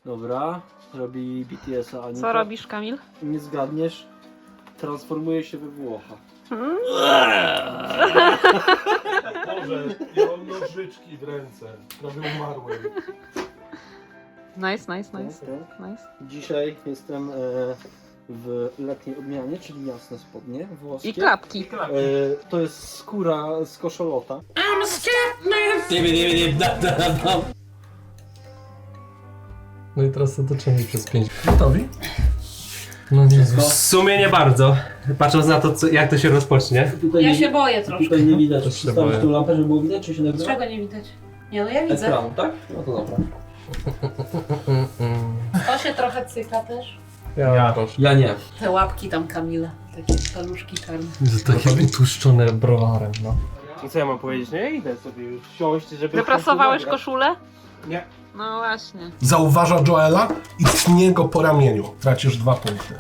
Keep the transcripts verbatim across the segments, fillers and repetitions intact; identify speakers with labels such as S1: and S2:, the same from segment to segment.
S1: Dobra, robi B T S-a Anita.
S2: Co robisz, Kamil?
S1: Nie zgadniesz, transformuje się we Włocha.
S2: Hmm?
S3: Boże, ja mam nożyczki w ręce. Prawie umarłem.
S2: Nice, nice, nice.
S1: Tak, tak.
S2: nice.
S1: Dzisiaj jestem e, w letniej odmianie, czyli jasne spodnie włoskie.
S2: I klapki.
S1: E, to jest skóra z koszolota.
S4: No i teraz otoczenie przez pięć. Gotowi? No nie.
S5: W sumie nie bardzo. Patrząc na to, co, jak to się rozpocznie.
S1: Tutaj
S6: Ja
S1: nie,
S6: się boję troszkę.
S1: Tutaj nie widać.
S4: Też się
S1: Przystawić
S4: boję.
S1: tą lampę, żeby było widać, czy się nagrywa?
S6: Czego nie widać? Nie no ja widzę.
S1: Ekranu, tak? No to dobra.
S6: To się trochę cyka też.
S4: Ja,
S5: Ja.
S4: proszę.
S1: Ja nie.
S6: Te łapki tam Kamila. Takie paluszki czarne.
S4: Takie utłuszczone browarem, no.
S5: I co ja mam powiedzieć? Nie idę sobie już siąść, żeby...
S2: Wyprasowałeś koszulę?
S5: Nie.
S2: No właśnie.
S3: Zauważa Joela i tnie go po ramieniu. Tracisz dwa punkty.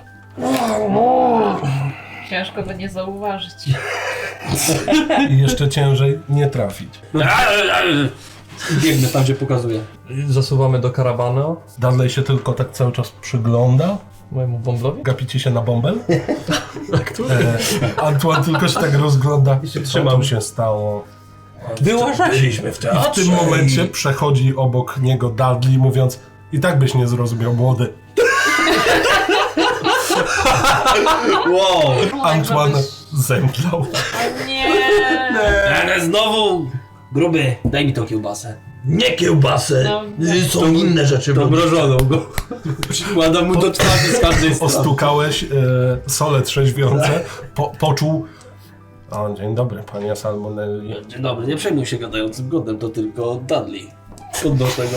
S6: Ciężko go nie zauważyć.
S3: I jeszcze ciężej nie trafić.
S1: Biegnę tam, gdzie pokazuje.
S4: Zasuwamy do karawanu
S3: Dudley się tylko tak cały czas przygląda.
S4: mojemu bąblowi.
S3: Gapicie się na bąbel? E, Antoine tylko się tak rozgląda. Co
S5: trzymam.
S3: tu się stało?
S5: Byliśmy w
S3: I w tym momencie przechodzi obok niego Dudley, mówiąc: i tak byś nie zrozumiał, młody.
S5: Wow!
S3: Antoine zemdlał.
S6: Nie.
S7: Ale znowu! Gruby, daj mi tą kiełbasę. Nie kiełbasę!
S6: No,
S7: Y, Są inne rzeczy.
S5: To
S7: bo-
S5: mrożoną go. Przykładam mu do twarzy z każdej strony.
S3: Ostukałeś e, sole trzeźwiące, po, poczuł... O, dzień dobry, panie Salmonelli.
S7: Dzień dobry, nie przejmuj się gadającym godem, to tylko Dudley. Skąd do tego?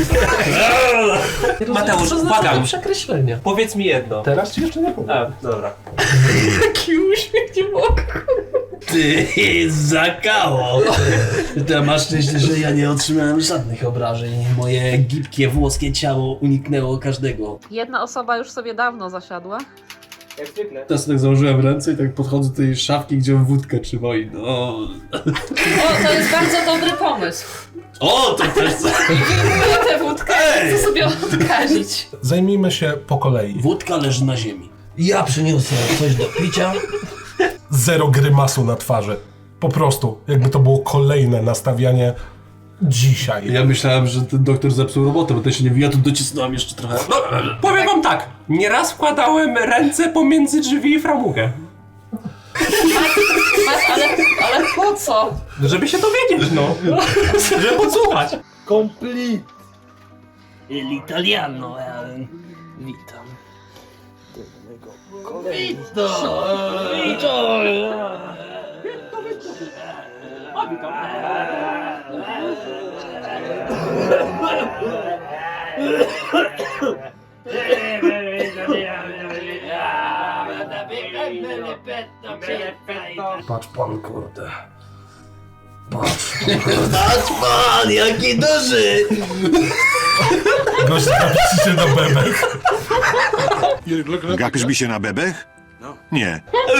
S7: Mateusz, błagam.
S4: Przekreślenia.
S5: Powiedz mi jedno.
S3: Teraz ci jeszcze nie powiem.
S5: A, dobra.
S6: Taki uśmiech nie mogę.
S7: Ty, zakało! Ty masz szczęście, że ja nie otrzymałem żadnych obrażeń. Moje gibkie włoskie ciało uniknęło każdego.
S2: Jedna osoba już sobie dawno zasiadła.
S5: Jak zwykle.
S7: Teraz tak założyłem ręce i tak podchodzę do tej szafki, gdzie on wódkę trzyma i no...
S6: O, to jest bardzo dobry pomysł.
S7: O, to też co?
S6: Wyjmuję tę wódkę,
S7: Ej!
S6: chcę sobie odkazić.
S3: Zajmijmy się po kolei.
S7: Wódka leży na ziemi. Ja przyniosę coś do picia.
S3: Zero grymasu na twarzy. Po prostu, jakby to było kolejne nastawianie dzisiaj.
S7: Ja myślałem, że ten doktor zepsuł robotę, bo ten się nie wija, tu docisnąłem jeszcze trochę.
S5: Powiem wam tak. Nieraz wkładałem ręce pomiędzy drzwi i framugę.
S6: Masz, ale, ale po co?
S5: Żeby się dowiedzieć, no. Żeby podsłuchać.
S1: Complete!
S7: L'italiano, eh.
S1: Witam.
S7: Patrz pan, kurde. Patrz. Patrz pan, jaki duży!
S3: Gość gapi się na bebech.
S8: Gapisz mi się na bebech? Nie.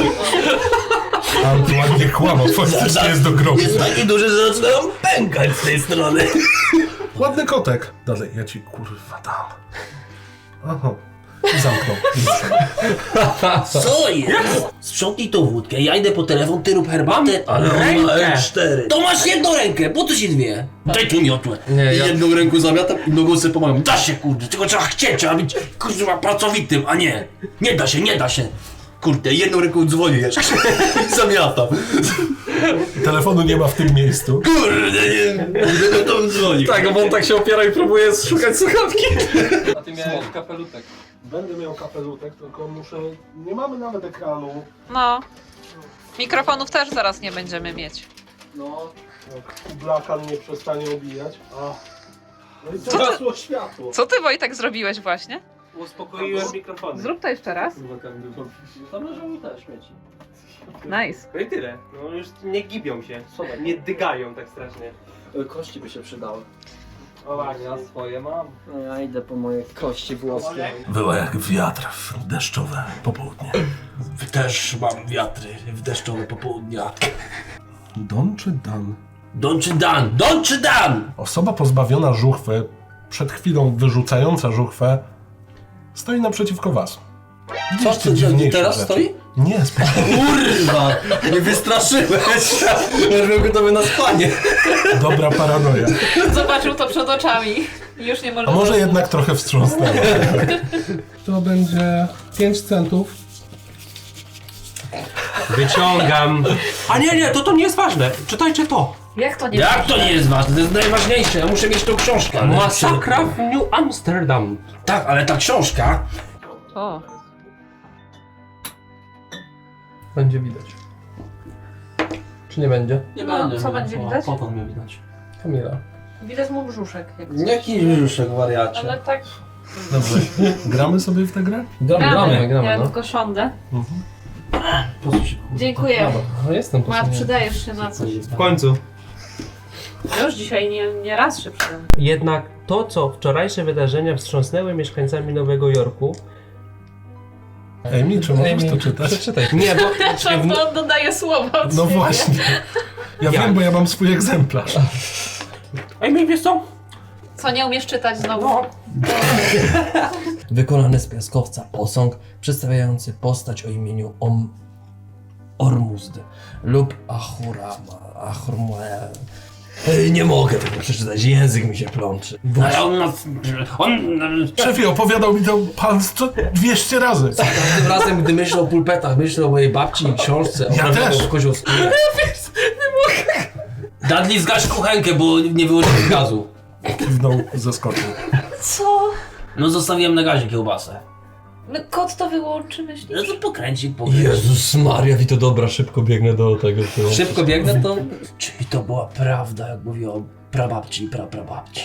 S3: Antoine nie kłamał, faktycznie jest do grobu.
S7: Jest taki duży, że zaczynam pękać z tej strony.
S3: Ładny kotek. Dalej, ja ci kurwa dam. Aha. I zamknął.
S7: Co jest? Sprzątnij tą wódkę, ja idę po telefon, ty rób herbatę, ale on ma
S5: rękę.
S7: R cztery. To masz jedną rękę, po co ci dwie? Daj tu miotłę.
S4: Nie, ja-
S7: Jedną ręką zamiatam i nogą sobie pomagam. Da się, kurde, tylko trzeba chcieć, trzeba być, kurwa, pracowitym, a nie. Nie da się, nie da się. Kurde, jedną ręką dzwonię jeszcze i zamiatam.
S3: Telefonu nie ma w tym miejscu.
S7: Kurde, nie, kurde, no to bym dzwonił.
S4: Tak, bo on tak się opiera i próbuje szukać słuchawki.
S1: A ty miałeś kapelutek.
S3: Będę miał kapelutek, tylko muszę... Nie mamy nawet ekranu.
S2: No. Mikrofonów też zaraz nie będziemy mieć.
S3: No, jak blakan nie przestanie obijać. A. No i
S2: Co ty-
S3: zgasło światło.
S2: Co ty, Wojtek, zrobiłeś właśnie?
S5: Uspokoiłem mikrofony.
S2: Zrób to jeszcze raz.
S1: Zamarzył też śmieci.
S2: Nice.
S5: No i tyle. No już nie gibią się. Nie dygają tak strasznie.
S1: E, Kości by się przydały.
S5: O właśnie.
S1: Ja swoje mam. No ja idę po moje kości włoskie.
S3: Było jak wiatr w deszczowe popołudnie.
S7: Też mam wiatry w deszczowe popołudnia.
S3: Don czy Dan?
S7: Don czy Dan? Don czy Dan?
S3: Osoba pozbawiona żuchwy przed chwilą wyrzucająca żuchwę, stoi naprzeciwko was.
S7: Co,
S3: Widzieliście
S7: co,
S3: dziwniejsze
S7: teraz
S3: rzeczy.
S7: stoi?
S3: Nie, spokojnie.
S7: Kurwa! Nie wystraszyłeś! Ja byłem gotowy na spanie.
S3: Dobra paranoja.
S6: Zobaczył to przed oczami. Już nie może...
S3: A może jednak trochę wstrząsnęło. To będzie pięć centów.
S5: Wyciągam. A nie, nie, to to nie jest ważne. Czytajcie to.
S6: Jak to nie
S7: Jak to nie jest ważne? To jest najważniejsze. Ja muszę mieć tą książkę. Ale...
S5: Masakra w New Amsterdam.
S7: Tak, ale ta książka...
S2: O,
S4: Będzie widać. Czy nie będzie?
S7: Nie
S6: No,
S7: będę.
S6: co będzie widać?
S7: Potąd mnie widać.
S4: Kamila.
S6: Widać mu brzuszek. Jak coś.
S7: Jaki brzuszek, wariacie?
S6: Ale tak...
S3: Dobrze. Gramy sobie w tę grę?
S4: Gramy, gramy, gramy,
S6: Ja
S4: no.
S6: tylko siądę.
S7: Po co się...
S6: Dziękuję.
S4: No jestem
S6: Ma,
S4: posunięty.
S6: przydajesz się na coś.
S5: W końcu.
S6: Już dzisiaj nie, nie raz się przydam.
S5: Jednak to, co wczorajsze wydarzenia wstrząsnęły mieszkańcami Nowego Jorku.
S3: Amy, czy możesz
S4: Ej,
S3: to czytać?
S4: Przeczytaj.
S5: Nie, bo
S6: Przepraszam, to on dodaje słowa od
S3: No
S6: siebie.
S3: właśnie. Ja
S5: Jak?
S3: wiem, bo ja mam swój egzemplarz.
S5: Ej, wiesz co?
S6: Co, nie umiesz czytać znowu?
S5: No.
S9: Wykonany z piaskowca posąg przedstawiający postać o imieniu Om... Ormuzd lub Ahurama. Ahurma... Ej, nie mogę tego przeczytać, język mi się plączy.
S7: Ale on nas... On...
S3: Szefie, opowiadał mi to pan co dwieście razy.
S9: Za każdym razem, gdy myślę o pulpetach, myślę o mojej babci i książce o
S3: Ja
S9: prawdziwym
S3: też.
S9: koziołskórze.
S7: Dudley, zgaś kuchenkę, bo nie wyłączyłem gazu.
S3: Kiwnął, zaskoczył.
S6: Co?
S7: No zostawiłem na gazie kiełbasę.
S6: No, kot to wyłączy,
S7: No
S6: myślisz?
S7: to pokręcik, pokręcik.
S9: Jezus Maria, i to dobra, szybko biegnę do tego.
S7: Szybko biegnę, to... Czyli to była prawda, jak mówi o prababci i praprababci.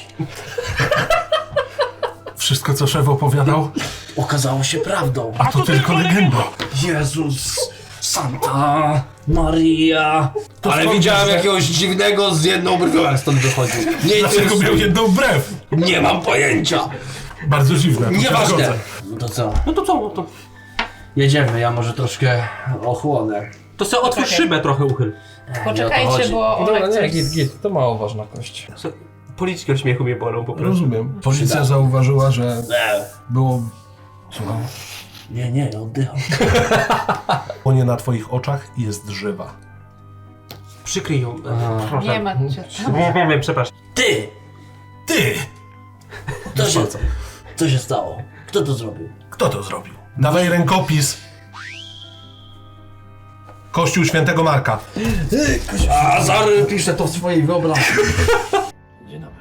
S3: Wszystko, co szef opowiadał,
S7: Okazało się prawdą.
S3: a to tylko legenda.
S7: Jezus, Santa Maria.
S3: To
S7: Ale
S3: skąd
S7: widziałem
S3: wiesz, że-
S7: jakiegoś dziwnego z jedną brwią, jak stąd wychodził. Nie,
S3: Dlaczego miał
S7: interesuje.
S3: jedną brew?
S7: Nie mam pojęcia.
S3: Bardzo dziwne, to się
S7: Nieważne.
S3: zgodzę.
S7: No to co?
S5: No to co? No to,
S7: Jedziemy, ja może troszkę ochłonę.
S5: to sobie otwórz
S6: Czekaj.
S5: szybę trochę uchyl.
S6: Poczekajcie, bo
S4: Dobra,
S6: Olek
S4: nie,
S6: coś...
S4: git, git, to mało ważna kość.
S5: Co- Policzki od śmiechu mnie bolą po prostu.
S3: Rozumiem. Policja
S7: Przyda.
S3: zauważyła, że
S7: Nie,
S3: było... Słucham?
S7: nie, nie, oddycham.
S3: Płonie na twoich oczach i jest żywa.
S5: Przykryj ją.
S7: Aha.
S5: Proszę.
S6: Nie ma cię.
S5: Nie, nie wiem, przepraszam.
S7: Ty!
S3: Ty!
S7: Co się,
S3: Bardzo.
S7: co się stało? Kto to zrobił?
S3: Kto to zrobił? Dawaj rękopis. Kościół Świętego Marka.
S7: A, zar...
S9: Piszę to w swojej wyobraźni.
S7: Dzień dobry.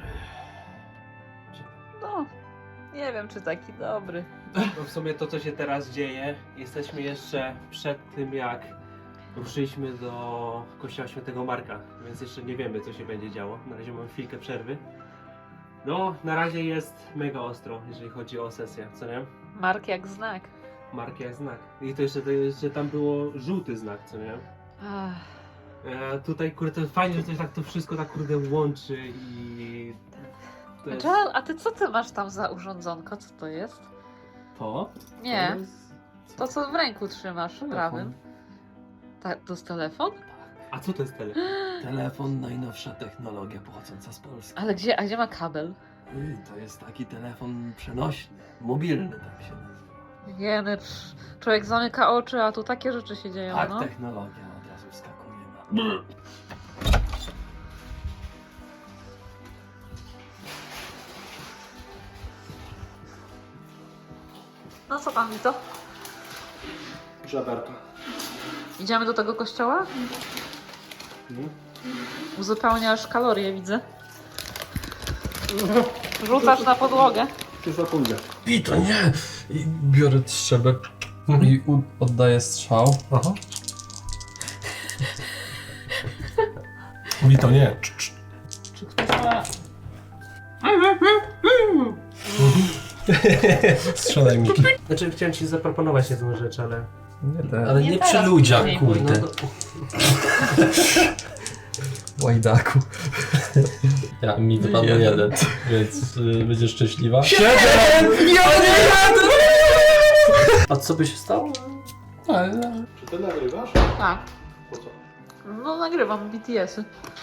S2: no. Nie wiem, czy taki dobry.
S10: No w sumie to, co się teraz dzieje, jesteśmy jeszcze przed tym, jak ruszyliśmy do kościoła Świętego Marka, więc jeszcze nie wiemy, co się będzie działo. Na razie mamy chwilkę przerwy. No, na razie jest mega ostro, jeżeli chodzi o sesję, co nie?
S2: Mark jak znak.
S10: Mark jak znak. I to jeszcze, to jeszcze tam było żółty znak, co nie?
S2: Ach,
S10: E, tutaj, kurde, to fajnie, że to tak to wszystko tak, kurde, łączy i... To jest
S2: Joel, a ty co ty masz tam za urządzonko? Co to jest?
S10: to?
S2: Nie,
S10: To jest...
S2: to co w ręku trzymasz
S10: Telefon.
S2: prawym. Ta, to jest telefon?
S10: A co to jest tele?
S9: Telefon, najnowsza technologia pochodząca z Polski.
S2: Ale gdzie, a gdzie ma kabel?
S9: Y, To jest taki telefon przenośny, mobilny tak się nazywa.
S2: Jeny, psz, człowiek zamyka oczy, a tu takie rzeczy się dzieją,
S9: Tak,
S2: no.
S9: technologia od razu wskakuje na...
S2: No co tam, Vito?
S10: Żaberka.
S2: Idziemy do tego kościoła? Uzupełniasz kalorie, widzę. Rzucasz na podłogę.
S10: Już pójdę.
S9: Pito, nie! I biorę strzelbę i u- oddaję strzał.
S3: Aha. Mi to nie. Cz, cz.
S6: Czy ktoś ma...
S3: Strzelaj mi.
S5: Znaczy, chciałem ci zaproponować jedną rzecz, ale...
S4: Nie te.
S9: Ale
S6: Nie
S9: nie,
S6: teraz,
S9: przy ludziach,
S6: później.
S9: kurde.
S5: No to...
S4: Łajdaku.
S9: Ja, mi wypadło
S4: Jeden.
S9: jeden, więc y, będziesz szczęśliwa. A co by się stało?
S3: Czy ty nagrywasz?
S2: Tak.
S3: Po co?
S2: No nagrywam B T S-y.